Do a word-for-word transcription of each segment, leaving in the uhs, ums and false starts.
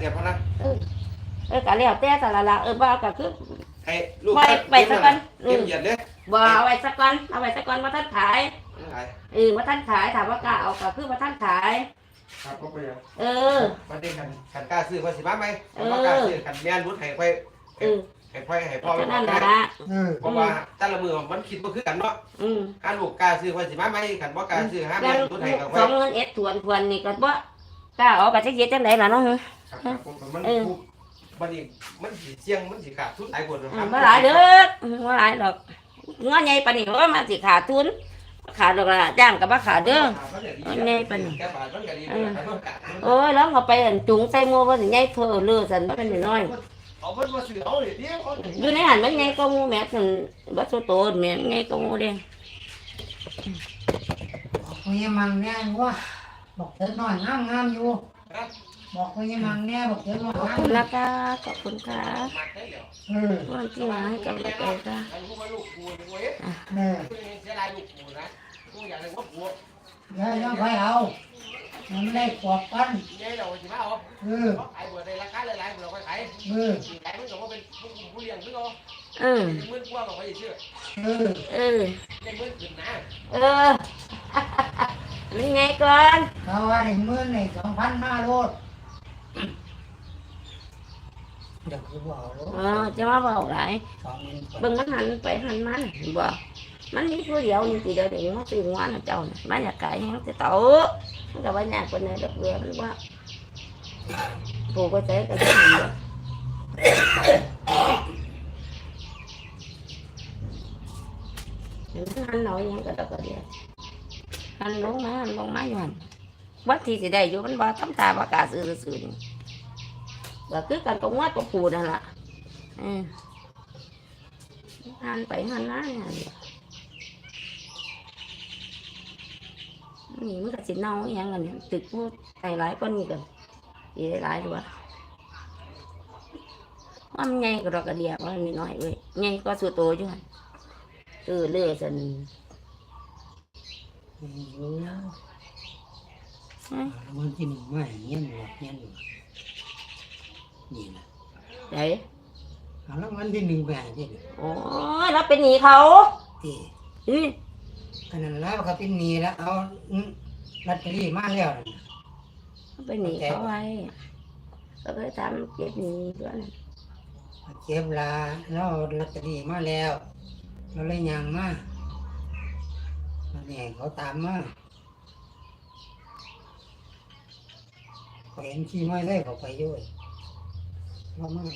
กันเพราะนั้นเออเออก็แล้วแต่แต่ละละเออบ่ก็คือให้ลูกไว้ไว้สักก่อนเตรียมเหยียดเลยบ่เอาไว้สักก่อนเอาไว้สักก่อนว่าท่านขายขายเออว่าท่านขายถามว่ากล้าเอาก็คือว่าท่านขายครับก็ไปเออประเด็นกันกันกล้าซื้อว่าสิมาไหมว่ากล้าซื้อกันแม่นรุดให้ไปเออให้พ่อให้พ่อนั่นแหละเพราะว่าแต่ละมือมันคิดบ่คือกันเนาะอืมถ้าลูกกล้าซื้อว่าสิมาไหมกันบ่กล้าซื้อห้าแม่นรุดให้กับสองเงินเอ็ดทวนทวนนี่ก็บ่กล้าเอาก็จะเย็ดจังได๋ล่ะเนาะครับมันบัดนี้มันสิเสี่ยงมันสิขาดทุนหลายคนครับบ่หลายเด้อบ่หลายดอกงอใหญ่ปานนี้ว่ามันสิขาดทุนขาดดอกละจ้างก็บ่ขาดเด้อใหญ่ปานนี้โอ้ยแล้วก็ไปจุงใส่หมู่ว่าสิใหญ่เพ้อเลือซั่นมันน้อยเอาเพิ่นบ่ซื้อเอาดิอยู่ในหันมันใหญ่กว่าหมู่แม่ซั่นบ่โตโตแม่ใหญ่กว่าหมู่เด้บอกว่ายังมังแน่ว่าบอกเธอหน่อยงามงามอยู่บอกว่ายังมังแน่บอกเธอหน่อยขอบคุณนะคะขอบคุณค่ะเออวันที่มาให้กำลังใจค่ะเออแล้วยังไปเอามันไม่ได้ปอกกันเออขายบัวในราคาหลายๆเราก็ขายเออขายมันก็ว่าเป็นผู้เลี้ยงซึ่งเราเออมื่นกว่าเราไปชื่อเออเออได้มื่นขึ้นนะเออนี่ไงก่อนเขาว่าในมื่นในสองพันห้าโลดเดี๋ยวคือบอกเออจะมาบอกไรเบิ่งมันหันไปหันมันบ่มันนี่ผู้เดียวนี่สิเดียวเด็กมันตื่นวันเจ้าน่ะมันอยากไก่แห้งจะโตมันก็ว่าอยากคนไหนดอกเบี้ยมันว่าปลูกก็เจ๊ก็ได้ดีหันหน่อยยังก็ดอกเดียวหันลงมาหันลงมาอยู่หันวัดที่สิได้อยู่มันบ่ทำตาประกาศซื่อๆนี่ก็คือกันตรงวัดก็ปูนั่นแหละอืมหันไปหันมาเนี่ยนี่มันก็สิเน่าอย่างนั้นตึกพูดหลายหลายก้อนนี่กันอีหลายด้วยว่ามันใหญ่ก็ดอกกระเดียบว่ามีน้อยเว้ยใหญ่ก็สุดโตอยู่หันเออเลื่อยสันวันที่หนึ่งว่าอย่างเงี้ยหมดเงี้ยหมดนี่นะไหนแล้ววันที่หนึ่งแบบนี้โอ้ยแล้วเป็นหนีเขาที่อือขนาดแล้วเขาเป็นหนีแล้วเอาลอตเตอรี่มาแล้วเป็นหนีเขาไว้ก็เลยทำเก็บหนีด้วยเก็บลาแล้วลอตเตอรี่มาแล้วเราเลยยังมาเนี่ยเขาตามมาเขาเห็นขี้ไม้ได้เขาไปด้วยเราไม่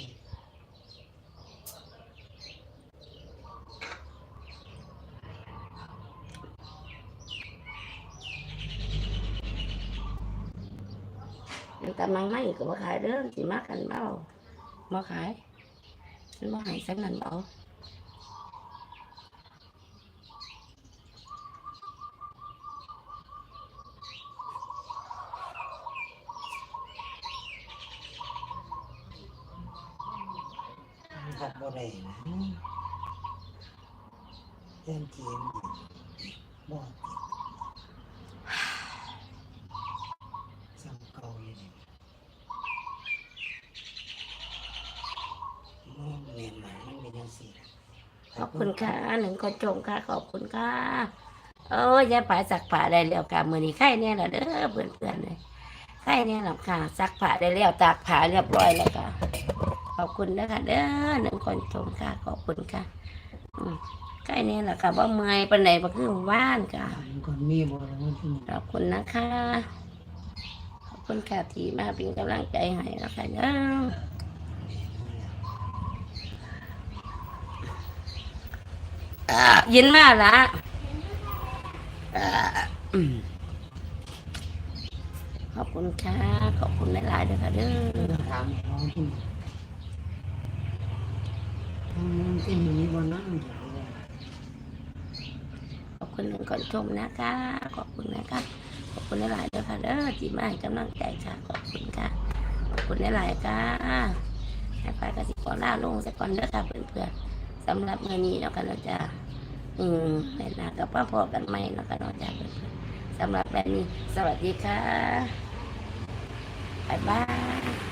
แต่มันไม่ก็มาขายเด้อสิมากันเบามาขายมันมาหายสักนั่นเบาขับบ่ได้นะเล่นเกมบ่สั่งเก่าเลยมันเรียนมามันเป็นยังสิขอบคุณค่ะหนึ่งคนชมค่ะขอบคุณค่ะเออยายผาสักผ้าได้แล้วค่ะมือนี้ไข่เนี่ยแหละเด้อเพื่อนเพื่อนเลยไข่เนี่ยหลับค่ะซักผ้าได้แล้วตากผ้าเรียบร้อยแล้วค่ะขอบคุณนะคะเด้อหนึ่งคนชมค่ะขอบคุณค่ะไข่เนี่ยแหละค่ะว่าเมื่อยปันไหนก็คือว่านค่ะขอบคุณนะคะขอบคุณค่ะที่มาเป็นกำลังใจให้นะคะเด้อยินมากละขอบคุณค่ะขอบคุณหลายๆด้วยค่ะเด้อถามน้องที่ที่มีบนนั้นขอบคุณหนึ่งคนชมนะคะขอบคุณนะคะขอบคุณหลายๆด้วยค่ะเด้อที่มาให้กำลังใจค่ะขอบคุณค่ะขอบคุณหลายๆค่ะให้ไปกสิกรล่าลงสักก่อนเด้อค่ะเพื่อนๆสำหรับมื้อนี้เราก็เราจะอืมแม่นากับพ่อพ่อกันไหมเราก็เราจะสำหรับแบบนี้สวัสดีค่ะบ๊ายบาย